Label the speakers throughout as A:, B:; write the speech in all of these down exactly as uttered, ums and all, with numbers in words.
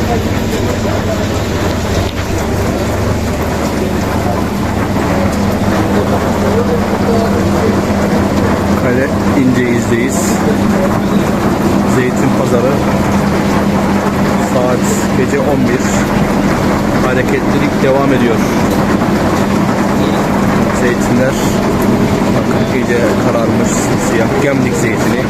A: Kale İnceiz'deyiz. Zeytin pazarı. Saat gece on bir. Hareketlilik devam ediyor. Zeytinler bakın iyice kararmış, siyah Gemlik zeytini.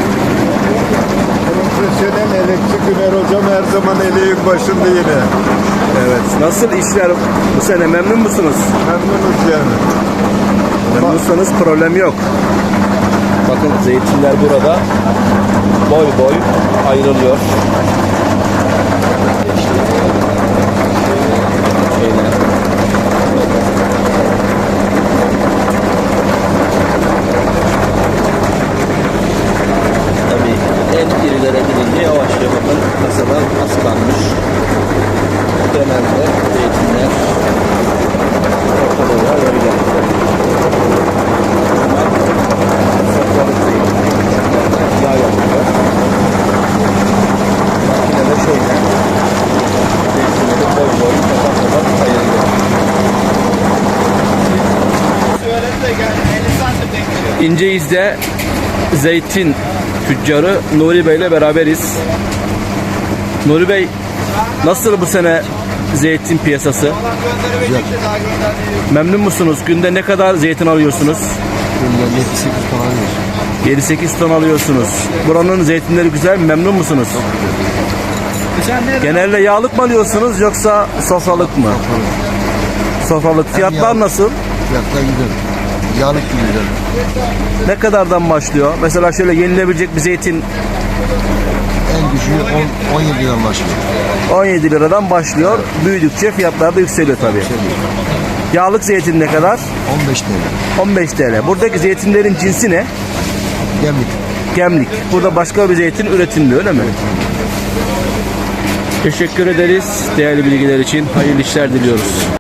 B: Profesyonel elekçi Güner hocam her zaman eleğin başında yine.
A: Evet. Nasıl işler bu sene, memnun musunuz?
B: Memnunuz yani.
A: Memnunsanız problem yok. Bakın zeytinler burada boy boy ayrılıyor. Şöyle. Tabii en irilere gidince yavaş yavaş bakın kasadan aslanmış. Genelde zeytinler ortalığa böyle. Saklalık zeytin. Yağ yapıyor. Makinede şöyle. Zeytinleri boy boy kapak kapak ayırıyor. İnceiz'de zeytin tüccarı Nuri Bey ile beraberiz. Nuri Bey, nasıl bu sene zeytin piyasası?
C: Güzel.
A: Memnun musunuz? Günde ne kadar zeytin alıyorsunuz?
C: Günde yedi sekiz ton alıyoruz.
A: yedi sekiz ton alıyorsunuz. Buranın zeytinleri güzel mi? Memnun musunuz? Genelde yağlık mı alıyorsunuz yoksa sofralık mı? Sofralık. Fiyatlar
C: yağlık.
A: nasıl?
C: Fiyatlar güzel. Yağlık gibi güzel.
A: Ne kadardan başlıyor? Mesela şöyle yenilebilecek bir zeytin
C: En düşüğü on, on yedi liradan başlıyor.
A: on yedi liradan başlıyor. Büyüdükçe fiyatlar da yükseliyor tabii. Yağlık zeytin ne kadar?
C: on beş lira.
A: on beş TL. Buradaki zeytinlerin cinsi ne?
C: Gemlik.
A: Gemlik. Burada başka bir zeytin üretilmiyor, öyle mi? Teşekkür ederiz değerli bilgiler için. Hayırlı işler diliyoruz.